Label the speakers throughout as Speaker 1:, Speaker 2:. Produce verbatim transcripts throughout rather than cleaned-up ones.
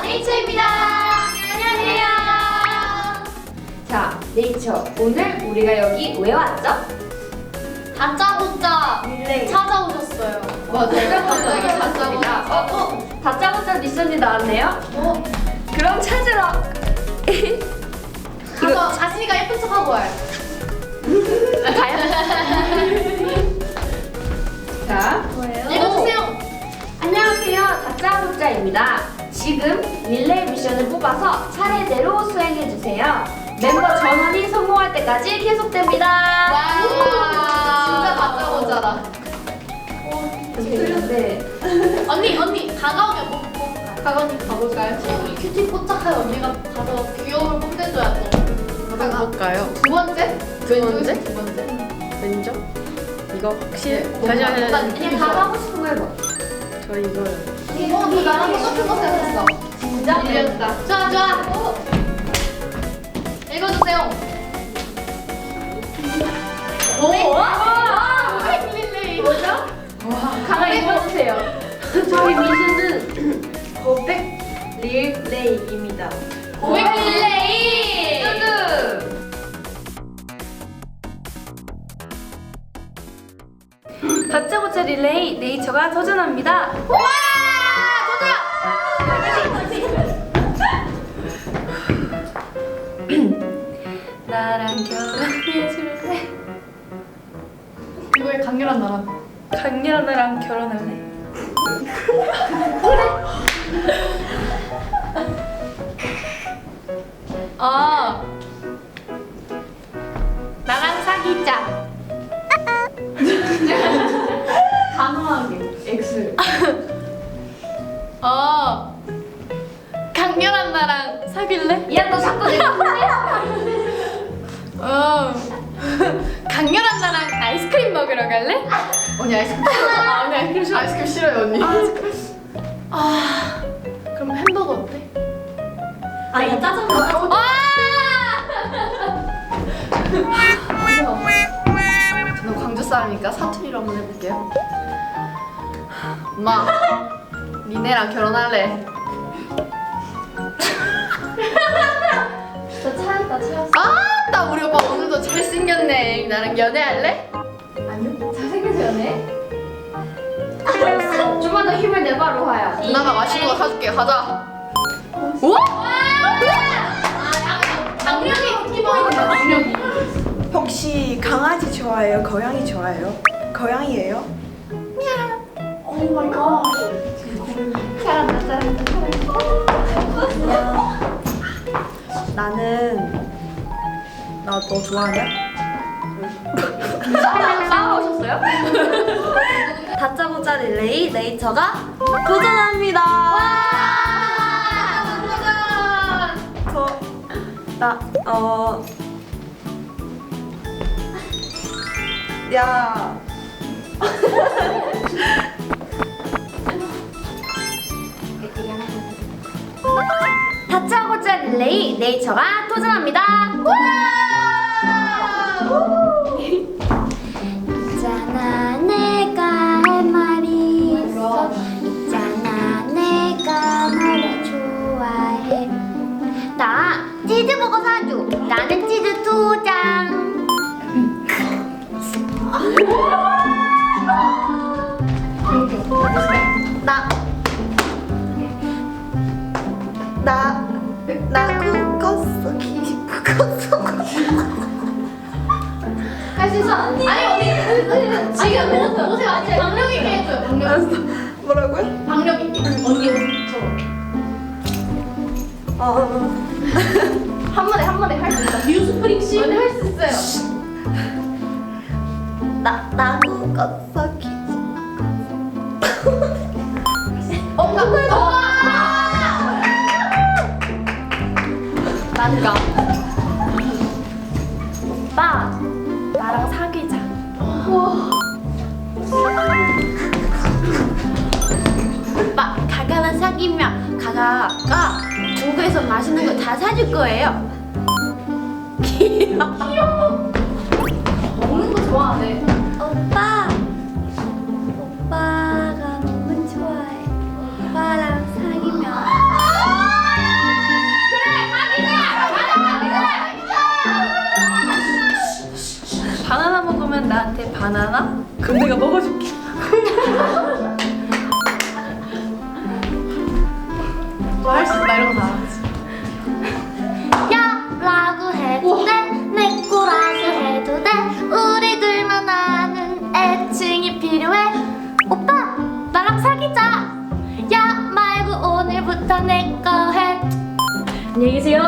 Speaker 1: 네이처입니다. 안녕하세요.
Speaker 2: 자, 네이처. 오늘 우리가 여기 왜 왔죠?
Speaker 1: 다짜고짜
Speaker 2: 릴레이.
Speaker 1: 찾아오셨어요.
Speaker 2: 맞아요.
Speaker 1: 갑자기 다짜고짜.
Speaker 2: 어, 어, 다짜고짜 미션이 나왔네요?
Speaker 1: 어?
Speaker 2: 그럼 찾으러.
Speaker 1: 가서 자신이가 예쁜 척하고 와요.
Speaker 2: 가요? 자,
Speaker 1: 읽어주세요.
Speaker 2: 안녕하세요. 다짜고짜입니다. 지금 릴레이 미션을 뽑아서 차례대로 수행해주세요. 멤버 전원이 성공할 때까지 계속됩니다.
Speaker 1: 와, 진짜 다짜고짜다.
Speaker 2: 네.
Speaker 1: 언니, 언니, 다가오면 뭐, 뭐 가건이 가볼까요? 우리 큐티 포착할 언니가 가서 귀여움을 뽐내줘야 또.
Speaker 3: 뭐라고 볼까요?
Speaker 1: 두 번째?
Speaker 3: 두 번째?
Speaker 1: 두 번째?
Speaker 3: 왼쪽? 이거 확실히?
Speaker 1: 네,
Speaker 3: 다시
Speaker 1: 뭔가
Speaker 3: 하자.
Speaker 1: 약간
Speaker 2: 그냥 다 하고 싶은 거 해봐.
Speaker 3: 저 이거요.
Speaker 1: 어, 너 나랑 똑같은 거 생각했어. 진짜? 밀렸다. 좋아, 좋아. 읽어주세요.
Speaker 2: 오!
Speaker 1: 아, 릴레이.
Speaker 2: 뭐죠? 가만히 읽어주세요. 저희 미션은 고백 릴레이입니다.
Speaker 1: 고백 릴레이.
Speaker 2: 뚜두! 다짜고짜 릴레이 네이처가 도전합니다.
Speaker 1: 와!
Speaker 2: 나랑 결혼해줄래?
Speaker 1: 이거에 강렬한 나라.
Speaker 2: 강렬한 나랑 결혼할래?
Speaker 1: 아. 나랑 사귀자.
Speaker 2: 단호하게 X.
Speaker 1: 어. 강렬한 나랑 사귈래?
Speaker 2: 야, 너 자꾸 내가
Speaker 1: 어. 강렬한 나랑 아이스크림 먹으러 갈래? 언니 아이스크림 싫어. 아, 언니 아이스크림 싫어. 아이스크림 싫어요, 언니. 아. 그럼 햄버거 어때?
Speaker 2: 아, 이거 짜장면.
Speaker 1: 아! 저는 광주 사람이니까 사투리로 한번 해볼게요. 엄마, 니네랑 결혼할래.
Speaker 2: 저 차였다, 차였어.
Speaker 1: 아, 나 우리 오빠 오늘도 잘생겼네. 나랑 연애할래?
Speaker 2: 아니요, 잘생겨서 연애. 좀만 더 힘을 내봐, 로하야.
Speaker 1: 누나가 맛있는 거 사줄게. 가자. 우와! 장력이 기본이다. 장력이.
Speaker 4: 혹시 강아지 좋아해요? 고양이 좋아해요? 고양이에요?
Speaker 1: 오 마이 갓.
Speaker 2: 잘한다, 잘한다, 잘한다.
Speaker 4: 나는 나 너 좋아하냐?
Speaker 2: 싸우러 오셨어요?
Speaker 4: 다짜고짜 릴레이 네이처가 도전합니다. 저, 나, 어, 야,
Speaker 2: 다짜고짜 릴레이 네이처가 도전합니다.
Speaker 5: 있잖아 내가 할 말이 있어 있잖아 내가 너를 좋아해 나 치즈버거 사줘 나는 치즈 두장
Speaker 4: 나, 나, 나 꿈꿨어, 기 꿈꿨어.
Speaker 1: 할 수 있어. 아니 언니. 지금 옷에 맞지? 박력 있게 해줘요. 박력.
Speaker 4: 알았어. 뭐라고요?
Speaker 1: 박력 있게. 언니 옷처럼.
Speaker 4: 어,
Speaker 1: 한 번에 한 번에 할 수 있어. 뉴스프링 씨. 언니 할 수 있어요.
Speaker 4: 나, 나 꿈꿨어, 기
Speaker 1: 어, 나. 난가.
Speaker 2: 오빠, 나랑 사귀자.
Speaker 5: 오빠 가가랑 사귀면 가가가 중국에서 맛있는 거 다 사줄 거예요 귀여워
Speaker 1: 먹는 거 좋아하네.
Speaker 5: 오빠 오빠가 너무 좋아해 오빠랑 사귀면
Speaker 4: 바나나? 그럼 내가 먹어줄게.
Speaker 1: 할 수 있다 이런 거 다 알았지.
Speaker 2: 야 라고 해도 돼내 거라고 해도 돼 우리들만 아는 애칭이 필요해 오빠 나랑 사귀자 야 말고 오늘부터 내 거 해 안녕히 계세요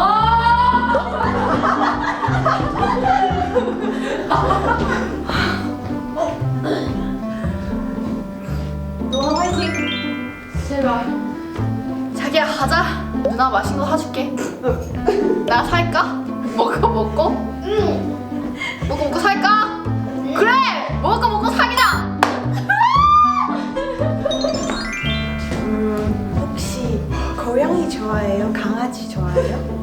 Speaker 1: 노아 화이팅. 제발. 자기야 가자. 누나 맛있는 거 사줄게. 나 살까? 먹고 먹고? 응. 먹고 먹고 살까? 그래. 먹고 먹고 사귀자.
Speaker 4: 음, 혹시 고양이 좋아해요? 강아지 좋아해요?